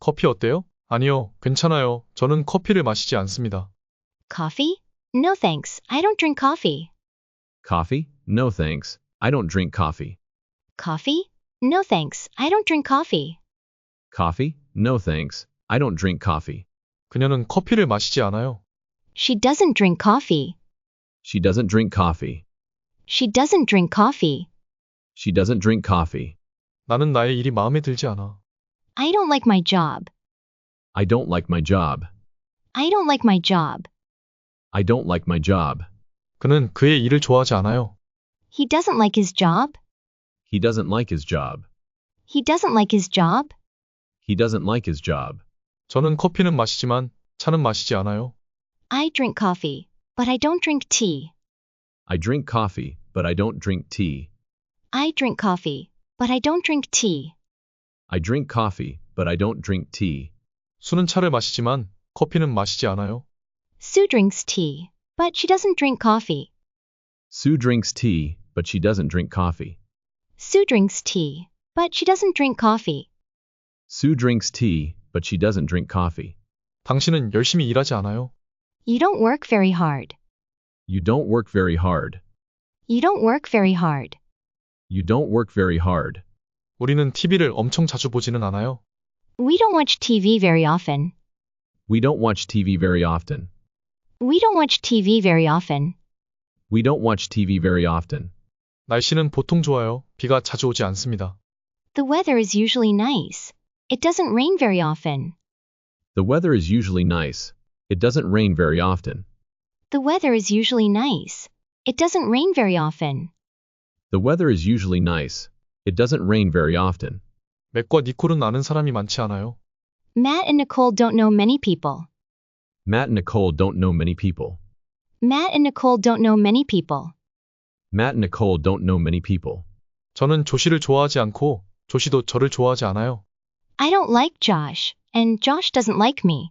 커피 어때요? 아니요, 괜찮아요. 저는 커피를 마시지 않습니다. Coffee? No thanks, I don't drink coffee. Coffee? No thanks. I don't drink coffee. Coffee? No thanks, I don't drink coffee. Coffee? No thanks. I don't drink coffee. 그녀는 커피를 마시지 않아요. She doesn't drink coffee. She doesn't drink coffee. She doesn't drink coffee. She doesn't drink coffee. 나는 나의 일이 마음에 들지 않아. I don't like my job. I don't like my job. I don't like my job. I don't like my job. 그는 그의 일을 좋아하지 않아요. He doesn't like his job. He doesn't like his job. He doesn't like his job. He doesn't like his job. 저는 커피는 마시지만 차는 마시지 않아요. I drink coffee, but I don't drink tea. I drink coffee, but I don't drink tea. I drink coffee, but I don't drink tea. I drink coffee, but I don't drink tea. 수는 차를 마시지만 커피는 마시지 않아요. Sue drinks tea, but she doesn't drink coffee. Sue drinks tea, but she doesn't drink coffee. Sue drinks tea, but she doesn't drink coffee. Sue drinks tea, but she doesn't drink coffee. 당신은 열심히 일하지 않아요. You don't work very hard. You don't work very hard. You don't work very hard. You don't work very hard. 우리는 TV를 엄청 자주 보지는 않아요. We don't watch TV very often. We don't watch TV very often. We don't watch TV very often. We don't watch TV very often. 날씨는 보통 좋아요. 비가 자주 오지 않습니다. The weather is usually nice. It doesn't rain very often. The weather is usually nice. It doesn't rain very often. The weather is usually nice. It doesn't rain very often. The weather is usually nice. It doesn't rain very often. 맥과 니콜은 아는 사람이 많지 않아요. Matt and Nicole don't know many people. Matt and Nicole don't know many people. Matt and Nicole don't know many people. Matt and Nicole don't know many people. 저는 조시를 좋아하지 않고 조시도 저를 좋아하지 않아요. I don't like Josh, and Josh doesn't like me.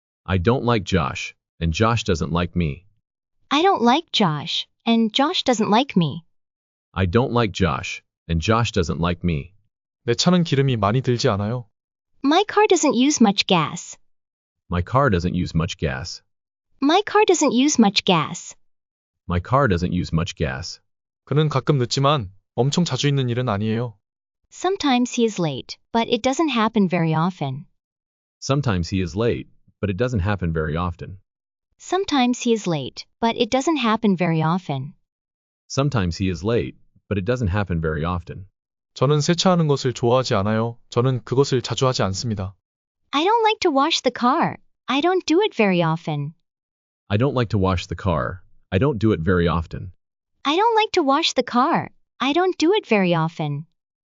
I don't like Josh, and Josh doesn't like me. I don't like Josh, and Josh doesn't like me. I don't like Josh, and Josh doesn't like me. 내 차는 기름이 많이 들지 않아요. My car doesn't use much gas. My car doesn't use much gas. My car doesn't use much gas. My car doesn't use much gas. 그는 가끔 늦지만 엄청 자주 있는 일은 아니에요. Sometimes he is late, but it doesn't happen very often. Sometimes he is late, but it doesn't happen very often. Sometimes he is late, but it doesn't happen very often. Sometimes he is late, but it doesn't happen very often. 저는 세차하는 것을 좋아하지 않아요. 저는 그것을 자주 하지 않습니다. I don't like to wash the car. I don't do it very often. I don't like to wash the car. I don't do it very often. I don't like to wash the car. I don't do it very often.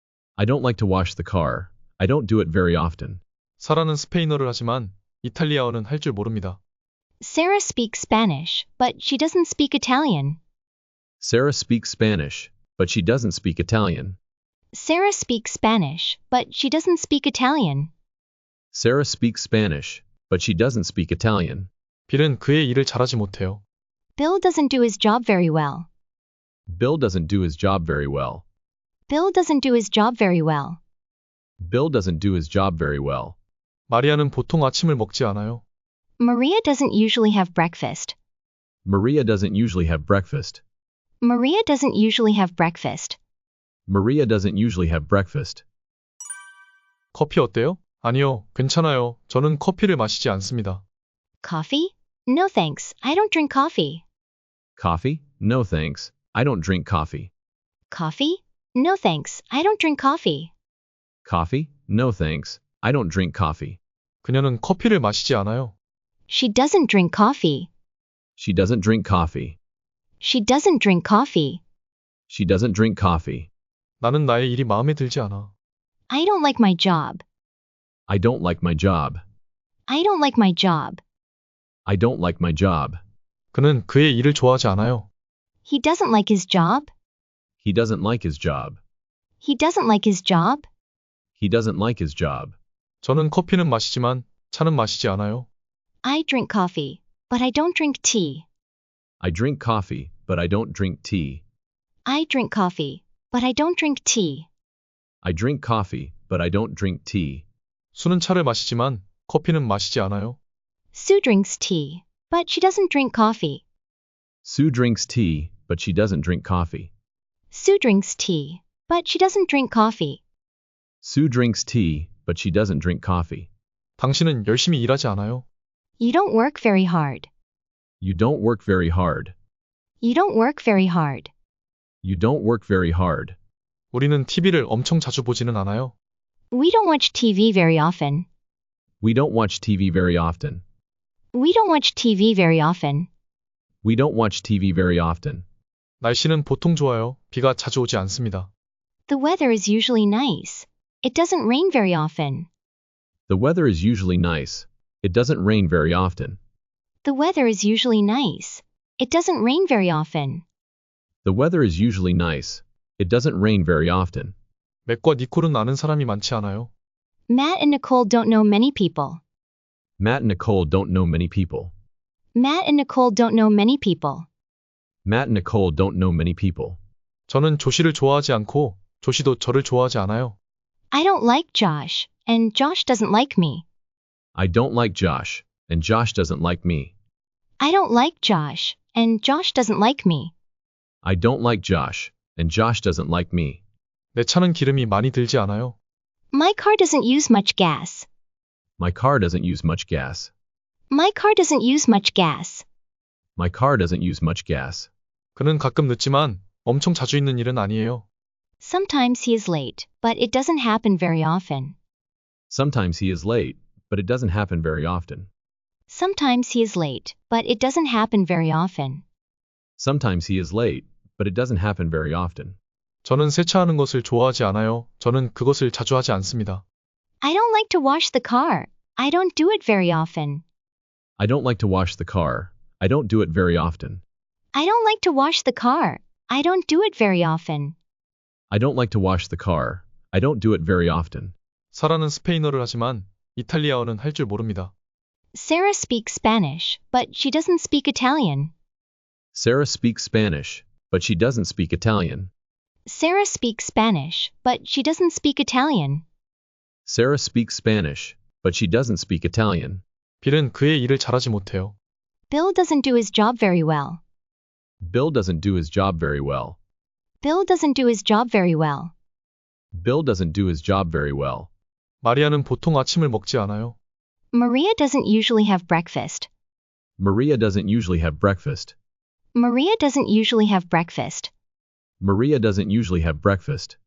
I don't like to wash the car. I don't do it very often. 사라는 스페인어를 하지만 이탈리아어는 할 줄 모릅니다. Sarah speaks Spanish, but she doesn't speak Italian. Sarah speaks Spanish, but she doesn't speak Italian. Sarah speaks Spanish, but she doesn't speak Italian. Sarah speaks Spanish, but she doesn't speak Italian. 빌은 그의 일을 잘하지 못해요. Bill doesn't do his job very well. Bill doesn't do his job very well. Bill doesn't do his job very well. Bill doesn't do his job very well. 마리아는 보통 아침을 먹지 않아요. Maria doesn't usually have breakfast. Maria doesn't usually have breakfast. Maria doesn't usually have breakfast. Maria doesn't usually have breakfast. 커피 어때요? 아니요, 괜찮아요. 저는 커피를 마시지 않습니다. Coffee? No thanks, I don't drink coffee. Coffee? No thanks. I don't drink coffee. Coffee? No thanks, I don't drink coffee. Coffee? No thanks. I don't drink coffee. 그녀는 커피를 마시지 않아요. She doesn't drink coffee. She doesn't drink coffee. She doesn't drink coffee. She doesn't drink coffee. 나는 나의 일이 마음에 들지 않아. I don't like my job. I don't like my job. I don't like my job. I don't like my job. 그는 그의 일을 좋아하지 않아요. He doesn't like his job. He doesn't like his job. He doesn't like his job. He doesn't like his job. 저는 커피는 마시지만 차는 마시지 않아요. I drink coffee, but I don't drink tea. I drink coffee, but I don't drink tea. I drink coffee, but I don't drink tea. I drink coffee, but I don't drink tea. 수는 차를 마시지만 커피는 마시지 않아요. Sue drinks tea, but she doesn't drink coffee. Sue drinks tea, but she doesn't drink coffee. Sue drinks tea, but she doesn't drink coffee. Sue drinks tea, but she doesn't drink coffee. 당신은 열심히 일하지 않아요. You don't work very hard. You don't work very hard. You don't work very hard. You don't work very hard. 우리는 TV를 엄청 자주 보지는 않아요. We don't watch TV very often. We don't watch TV very often. We don't watch TV very often. We don't watch TV very often. 날씨는 보통 좋아요. 비가 자주 오지 않습니다. The weather is usually nice. It doesn't rain very often. The weather is usually nice. It doesn't rain very often. The weather is usually nice. It doesn't rain very often. The weather is usually nice. It doesn't rain very often. 맥과 니콜은 아는 사람이 많지 않아요. Matt and Nicole don't know many people. Matt and Nicole don't know many people. Matt and Nicole don't know many people. Matt and Nicole don't know many people. 저는 조시를 좋아하지 않고 조시도 저를 좋아하지 않아요. I don't like Josh, and Josh doesn't like me. I don't like Josh, and Josh doesn't like me. I don't like Josh, and Josh doesn't like me. I don't like Josh, and Josh doesn't like me. 내 차는 기름이 많이 들지 않아요. My car doesn't use much gas. My car doesn't use much gas. My car doesn't use much gas. My car doesn't use much gas. 그는 가끔 늦지만 엄청 자주 있는 일은 아니에요. Sometimes he is late, but it doesn't happen very often. Sometimes he is late, but it doesn't happen very often. Sometimes he is late, but it doesn't happen very often. Sometimes he is late, but it doesn't happen very often. 저는 세차하는 것을 좋아하지 않아요. 저는 그것을 자주 하지 않습니다. I don't like to wash the car. I don't do it very often. I don't like to wash the car. I don't do it very often. I don't like to wash the car. I don't do it very often. I don't like to wash the car. I don't do it very often. 사라는 스페인어를 하지만 이탈리아어는 할 줄 모릅니다. Sarah speaks Spanish, but she doesn't speak Italian. Sarah speaks Spanish, but she doesn't speak Italian. Sarah speaks Spanish, but she doesn't speak Italian. Sarah speaks Spanish, but she doesn't speak Italian. 빌은 그의 일을 잘하지 못해요. Bill doesn't do his job very well. Bill doesn't do his job very well. Bill doesn't do his job very well. Bill doesn't do his job very well. 마리아는 보통 아침을 먹지 않아요. Maria doesn't usually have breakfast. Maria doesn't usually have breakfast. Maria doesn't usually have breakfast. Maria doesn't usually have breakfast.